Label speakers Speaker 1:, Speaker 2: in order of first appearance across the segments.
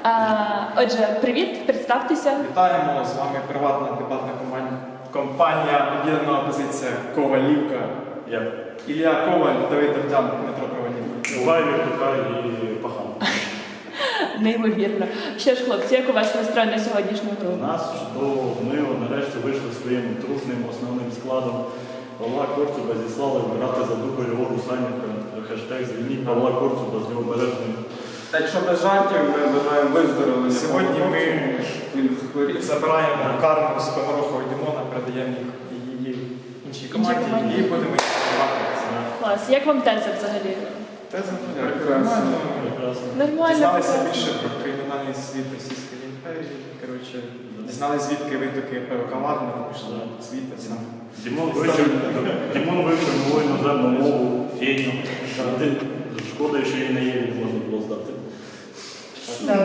Speaker 1: Отже, привіт, представтеся.
Speaker 2: Вітаємо, з вами приватна дебатна компанія «Об'єднана опозиція Ковалівка». Я Ілля Коваль, Давид Давтян, Дмитро Кровалівка.
Speaker 3: Бувай, Віртукай і Пахан.
Speaker 1: Неймовірно. Що ж, хлопці, як у вас настрой на сьогоднішню гру?
Speaker 3: У нас чудово, ми нарешті вийшли своїм трушним основним складом. Павла Корцуба зіслали грати за Дубо його Русанівка. Хештег «Звільніть Павла Корцуба з Лівобережної».
Speaker 4: Так що без жартів ми бажаємо виздоровлення.
Speaker 2: Сьогодні ми
Speaker 4: захворів.
Speaker 2: забираємо карму з Погорохова Дімона, передаємо її іншій команді і будемо їх відкривати.
Speaker 1: Клас. Як вам теза взагалі?
Speaker 2: Теза
Speaker 4: Прекрасно.
Speaker 3: Прекрасно.
Speaker 1: Нормально.
Speaker 2: Дізналися
Speaker 1: прекрасно.
Speaker 2: більше про кримінальний світ Російської імперії. Коротше, дізналися, звідки витоки перукаварного пішли світа саме.
Speaker 3: Дімон вивчив нову іноземну мову, фейну. Шкода, що її на Єві можна було здати.
Speaker 1: Так.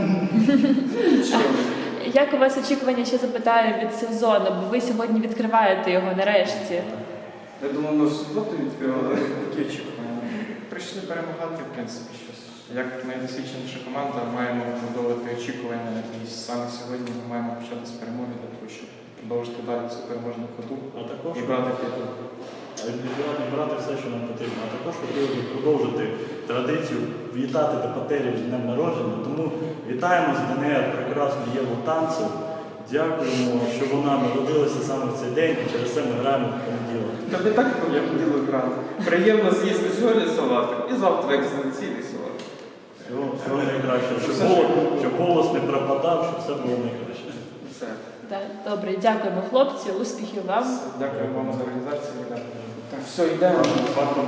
Speaker 1: Як у вас очікування, ще запитаю, від сезону, бо ви сьогодні відкриваєте його нарешті.
Speaker 4: Я думав, ми в суботу відкривали.
Speaker 2: Такі очікування. Прийшли перемагати, в принципі, щось. Як найдосвідченіша команда, маємо продовжити очікування, і саме сьогодні ми маємо почати з перемоги для того, щоб продовжити далі цю переможну ходу
Speaker 3: А також
Speaker 2: і брати титул.
Speaker 3: брати все, що нам потрібно. А також хотіли б продовжити традицію вітати депутатів з днем народження. Тому вітаємо з ДНР прекрасну Єву Танцев. Дякуємо, що вона народилася саме в цей день, і через це ми граємо в понеділок.
Speaker 4: Тобі так я хотіла грати. Приємно з'їсти сьогодні салатик і завтра екзаменційний салат.
Speaker 3: Всього найкраще. Щоб голос не пропадав, щоб все було найкраще.
Speaker 4: Все.
Speaker 1: Так, добре, дякуємо, хлопці, успіхів вам.
Speaker 2: Дякую вам за організацію.
Speaker 4: Так, все, йдемо.